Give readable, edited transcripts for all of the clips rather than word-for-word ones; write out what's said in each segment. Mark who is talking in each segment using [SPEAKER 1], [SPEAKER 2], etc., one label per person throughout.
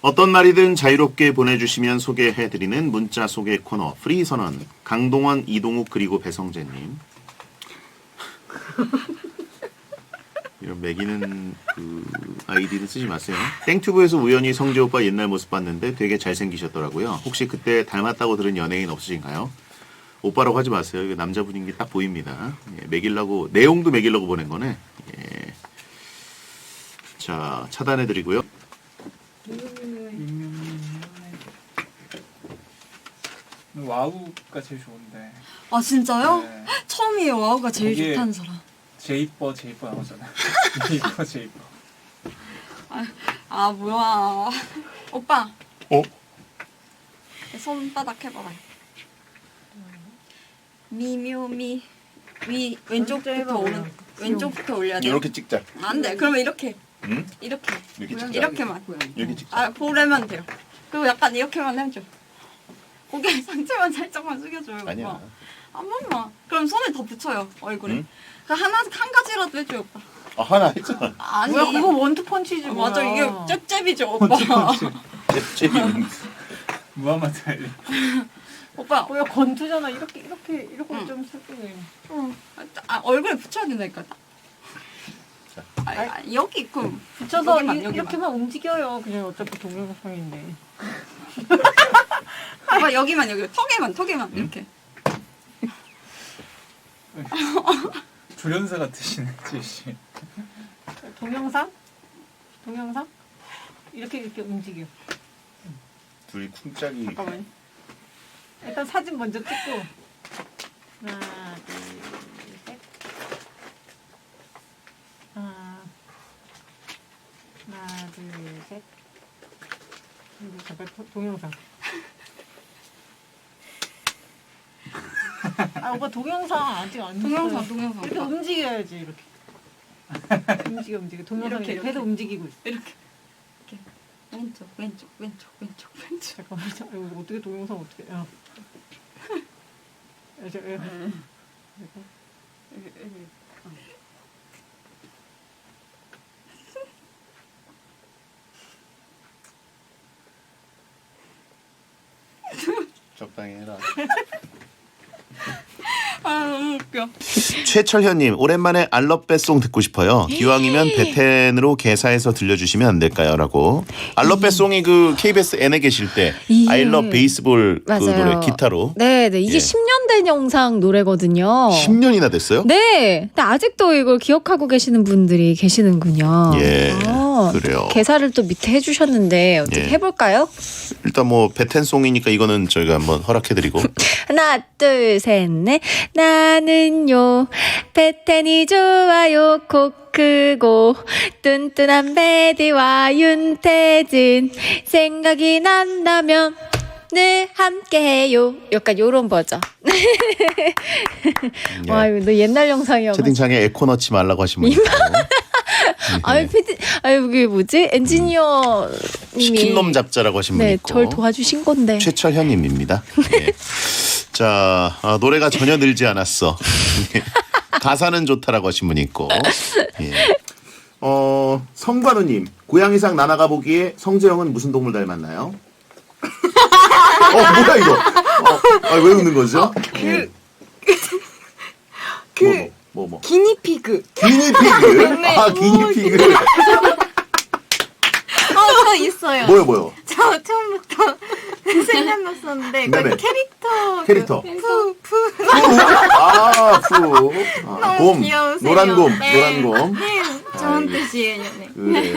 [SPEAKER 1] 어떤 말이든 자유롭게 보내주시면 소개해드리는 문자 소개 코너 프리선언. 강동원, 이동욱 그리고 배성재님. 이런 매기는 그 아이디는 쓰지 마세요. 땡튜브에서 우연히 성재 오빠 옛날 모습 봤는데 되게 잘생기셨더라고요. 혹시 그때 닮았다고 들은 연예인 없으신가요? 오빠라고 하지 마세요. 이거 남자분인 게 딱 보입니다. 예, 매기려고 내용도 매기려고 보낸 거네. 예. 자, 차단해드리고요.
[SPEAKER 2] 와우가 제일 좋은데.
[SPEAKER 3] 아 진짜요?
[SPEAKER 2] 네.
[SPEAKER 3] 처음이에요. 와우가 제일
[SPEAKER 2] 거기에
[SPEAKER 3] 좋다는 사람.
[SPEAKER 2] 제이퍼 나오잖아요. 제이퍼.
[SPEAKER 3] 아 뭐야. 오빠.
[SPEAKER 1] 어?
[SPEAKER 3] 손바닥 해봐라. 미묘미. 왼쪽부터 왼쪽부터 올려야 돼.
[SPEAKER 1] 이렇게 찍자.
[SPEAKER 3] 안 돼. 그러면 이렇게.
[SPEAKER 1] 응?
[SPEAKER 3] 이렇게.
[SPEAKER 1] 이렇게 찍자.
[SPEAKER 3] 이렇게만.
[SPEAKER 1] 이렇게 찍자.
[SPEAKER 3] 아 보려면 돼요. 그리고 약간 이렇게만 해줘. 고개 상체만 살짝만 숙여줘요. 오빠.
[SPEAKER 1] 아니야.
[SPEAKER 3] 한 번만. 그럼 손을 더 붙여요 얼굴에.
[SPEAKER 1] 응?
[SPEAKER 3] 그 한 가지라도 해줘요 오빠.
[SPEAKER 1] 아, 하나 했잖아.
[SPEAKER 3] 아니.
[SPEAKER 4] 뭐야 그거 원투펀치지 뭐야.
[SPEAKER 3] 맞아 이게 잽잽이죠 오빠.
[SPEAKER 1] 잽잽이.
[SPEAKER 2] 무하마드 알리.
[SPEAKER 3] 오빠.
[SPEAKER 4] 뭐야 권투잖아. 이렇게
[SPEAKER 3] 응.
[SPEAKER 4] 좀 슬프네.
[SPEAKER 3] 얼굴에 붙여야 된다니까. 여기 있고
[SPEAKER 4] 붙여서
[SPEAKER 3] 여기만.
[SPEAKER 4] 이렇게만 움직여요. 그냥 어차피 동영상인데.
[SPEAKER 3] 오빠 여기만 여기 턱에만
[SPEAKER 1] 응?
[SPEAKER 3] 이렇게.
[SPEAKER 2] 조련사 같으시네 제시.
[SPEAKER 4] 동영상? 이렇게 움직여.
[SPEAKER 1] 둘이 쿵짝이.
[SPEAKER 4] 잠깐만요. 일단 사진 먼저 찍고. 하나, 둘, 셋. 하나, 둘, 셋. 그리고 잠깐 동영상. 아 오빠 동영상 아직 안 했어요.
[SPEAKER 3] 동영상.
[SPEAKER 4] 이렇게
[SPEAKER 3] 오빠.
[SPEAKER 4] 움직여야지 이렇게. 움직여. 동영상
[SPEAKER 3] 이렇게,
[SPEAKER 4] 배도 움직이고 있어.
[SPEAKER 3] 이렇게. 왼쪽.
[SPEAKER 4] 잠깐만. 이거 어떻게 동영상 어떻게? 야.
[SPEAKER 1] 적당히 해라.
[SPEAKER 3] 아 너무 웃겨.
[SPEAKER 1] 최철현님, 오랜만에 알럿배송 듣고 싶어요. 기왕이면 베텐으로 개사해서 들려주시면 안 될까요? 라고. 알럿배송이 그 KBS N에 계실 때
[SPEAKER 5] 이게-
[SPEAKER 1] 아이럿 베이스볼 그
[SPEAKER 5] 맞아요.
[SPEAKER 1] 노래 기타로
[SPEAKER 5] 네, 이게
[SPEAKER 1] 예.
[SPEAKER 5] 10년 된 영상 노래거든요.
[SPEAKER 1] 10년이나 됐어요?
[SPEAKER 5] 네, 근데 아직도 이걸 기억하고 계시는 분들이 계시는군요.
[SPEAKER 1] 예,
[SPEAKER 5] 어,
[SPEAKER 1] 그래요.
[SPEAKER 5] 개사를 또 밑에 해주셨는데 어떻게
[SPEAKER 1] 예.
[SPEAKER 5] 해볼까요?
[SPEAKER 1] 일단 뭐 베텐송이니까 이거는 저희가 한번 허락해드리고.
[SPEAKER 5] 하나, 둘, 셋, 넷. 나는요, 베텐이 좋아요. 코 크고 뚠뚠한 베디와 윤태진 생각이 난다면 늘 함께해요. 약간 요런 버전.
[SPEAKER 1] 예.
[SPEAKER 5] 와, 이거 너 옛날 영상이어가지고.
[SPEAKER 1] 채팅창에 에코 넣지 말라고 하신 분 있고.
[SPEAKER 5] 아유, 이게 뭐지? 엔지니어 님이
[SPEAKER 1] 치킨놈 잡자라고 하신 분
[SPEAKER 5] 네,
[SPEAKER 1] 있고.
[SPEAKER 5] 절 도와주신 건데.
[SPEAKER 1] 최철현님입니다. 예. 자, 노래가 전혀 늘지 않았어. 가사는 좋다라고 하신 분 있고. 예. 성관우님, 고양이상 나나가 보기에 성재형은 무슨 동물 닮았나요? 뭐야 이거? 왜 웃는 거죠? 뭐.
[SPEAKER 3] 기니피그.
[SPEAKER 1] 기니피그? 아, 기니피그.
[SPEAKER 3] 저 있어요.
[SPEAKER 1] 뭐요?
[SPEAKER 3] 저 처음부터 생각났었는데
[SPEAKER 1] 네네.
[SPEAKER 3] 그
[SPEAKER 1] 캐릭터.
[SPEAKER 3] 푸.
[SPEAKER 1] 곰.
[SPEAKER 3] 귀여우세요.
[SPEAKER 1] 노란 곰.
[SPEAKER 3] 네.
[SPEAKER 1] 노란 곰.
[SPEAKER 3] 네, 좋은
[SPEAKER 1] 아,
[SPEAKER 3] 뜻이에요. 네.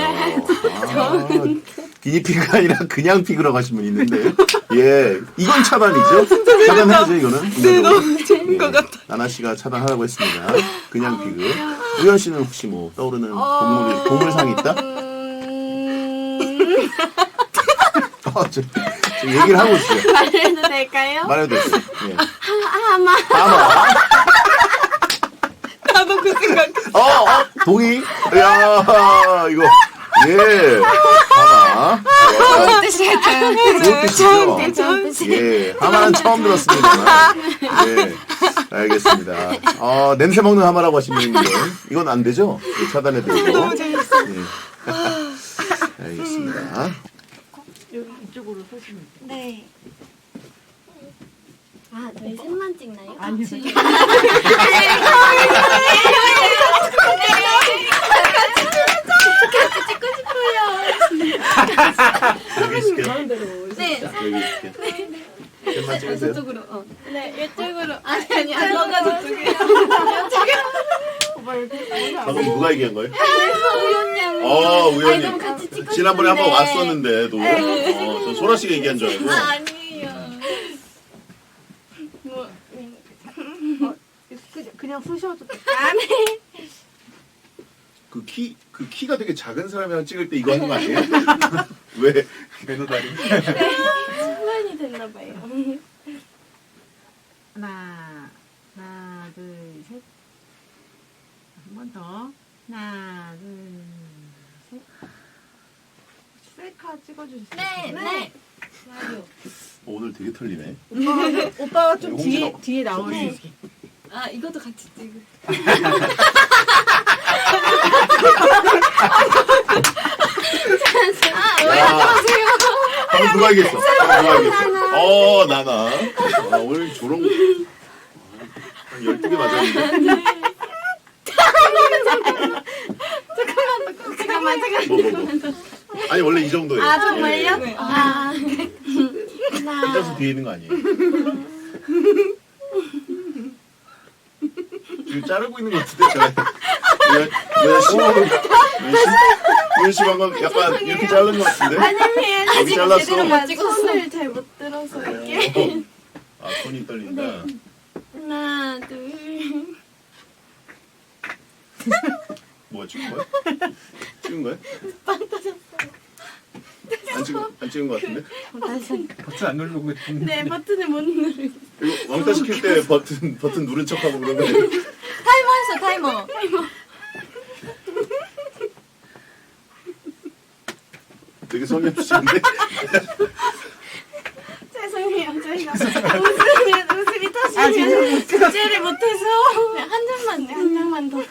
[SPEAKER 1] 그래요. 기니피그가 아니라 그냥 피그라고 하신 분 있는데. 예. 이건 차단이죠? 차단해야죠, 이거는.
[SPEAKER 3] 네, 너무 재밌는 것 같아.
[SPEAKER 1] 나나 씨가 차단하라고 했습니다. 그냥 피그. 우연 씨는 혹시 뭐 떠오르는 동물상이 있다? 저 얘기를 하고 있어요.
[SPEAKER 3] 말해도 될까요?
[SPEAKER 1] 말해도 됐어요. 예.
[SPEAKER 3] 하마.
[SPEAKER 1] 하마.
[SPEAKER 3] 나도 그 생각.
[SPEAKER 1] 동의? 야, 이거. 예. 하마.
[SPEAKER 3] 좋은 뜻이에요.
[SPEAKER 1] 좋은 뜻이죠?
[SPEAKER 3] 좋은 뜻.
[SPEAKER 1] 예. 하마는 처음 들었습니다. 예. 알겠습니다. 냄새 먹는 하마라고 하신 분인데, 이건 안 되죠? 예, 차단해드리고. 너무 재밌어. 예. 알겠습니다.
[SPEAKER 4] 여기 이쪽으로 서시면 돼요.
[SPEAKER 3] 네.
[SPEAKER 6] 아, 저희 셋만 찍나요?
[SPEAKER 4] 아니요.
[SPEAKER 1] 여기 있을게요.
[SPEAKER 4] 가운데로.
[SPEAKER 3] 네.
[SPEAKER 1] 여기 있을게요. 셋만 찍으세요.
[SPEAKER 3] 저쪽으로.
[SPEAKER 6] 네, 이쪽으로.
[SPEAKER 3] 아니 너가 저쪽이야.
[SPEAKER 1] 방금 누가 얘기한 거예요?
[SPEAKER 3] 우연양.
[SPEAKER 1] 우연히.
[SPEAKER 3] 그럼 같이 찍고
[SPEAKER 1] 지난번에 한번
[SPEAKER 3] 싶은데.
[SPEAKER 1] 왔었는데도. 저 소라 씨가 얘기한 줄 알고.
[SPEAKER 3] 아니에요. 뭐
[SPEAKER 4] 그냥 쓰셔도 돼요.
[SPEAKER 1] 그 키가 되게 작은 사람이랑 찍을 때 이거 하는 거 아니에요? 왜?
[SPEAKER 2] 매너다리.
[SPEAKER 6] 습관이 됐나봐요.
[SPEAKER 4] 하나, 둘, 셋. 한 번 더. 하나, 둘, 셋. 셀카 찍어주세요.
[SPEAKER 3] 네.
[SPEAKER 1] 오늘 되게 털리네.
[SPEAKER 4] 오빠가 좀
[SPEAKER 1] 홍진호.
[SPEAKER 4] 뒤에 나오시.
[SPEAKER 3] 아 이것도 같이 찍을.
[SPEAKER 1] 방금 누가 얘기했어? 나나. 오늘 조롱. 한 12개 맞았는데.
[SPEAKER 3] 잠깐만.
[SPEAKER 1] 뭐. 아니, 원래 이 정도예요.
[SPEAKER 3] 아 정말요?
[SPEAKER 1] 네.
[SPEAKER 3] 아.
[SPEAKER 1] 혼자서 뒤에 있는 거 아니에요? 지금 자르고 있는 것 같은데, 우연 씨 방금 약간 이렇게 자른 것 같은데? 여기 잘랐어.
[SPEAKER 6] 손을 잘 못 들어서 이게.
[SPEAKER 1] 손이 떨린다.
[SPEAKER 6] 하나, 둘.
[SPEAKER 1] 뭐야, 찍은 거야? 찍은 거야? 안 찍은 것 같은데?
[SPEAKER 2] 버튼 안 누르고 있는데.
[SPEAKER 6] 네, 버튼을 못 누르고.
[SPEAKER 1] 이거 왕따 시킬 때 버튼 누른 척하고 그러면
[SPEAKER 3] 타이머 했어 타이머.
[SPEAKER 1] 되게 성의 없으신데?
[SPEAKER 6] 죄송해요. 저희가 웃음이 터지면 주제를 못해서. 네, 한 장만 더.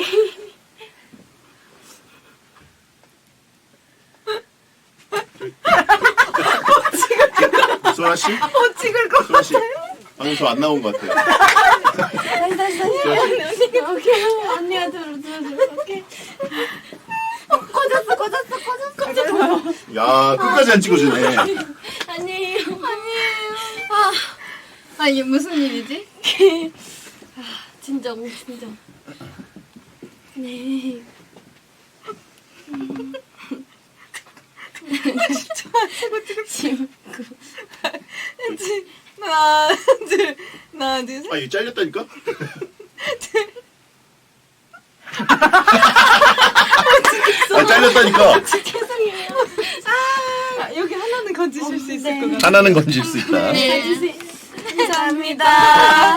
[SPEAKER 1] 소라 씨?
[SPEAKER 3] 찍을 거.
[SPEAKER 1] 소라 씨. 방금 저 안 나온 것 같아요.
[SPEAKER 6] 다시. 오케이. 언니가 들어. 오케이. 꽂았어.
[SPEAKER 1] 야, 끝까지 안 찍어주네.
[SPEAKER 6] 아니에요.
[SPEAKER 3] 아 이게 무슨 일이지?
[SPEAKER 6] 진정. 네.
[SPEAKER 3] 하나 둘 셋.
[SPEAKER 1] 아, 이거 잘렸다니까? 잘렸다니까?
[SPEAKER 6] 죄송해요.
[SPEAKER 3] 여기 하나는 건지실 수 있을 것 같아.
[SPEAKER 1] 하나는 건질 수 있다.
[SPEAKER 6] 네.
[SPEAKER 3] 감사합니다.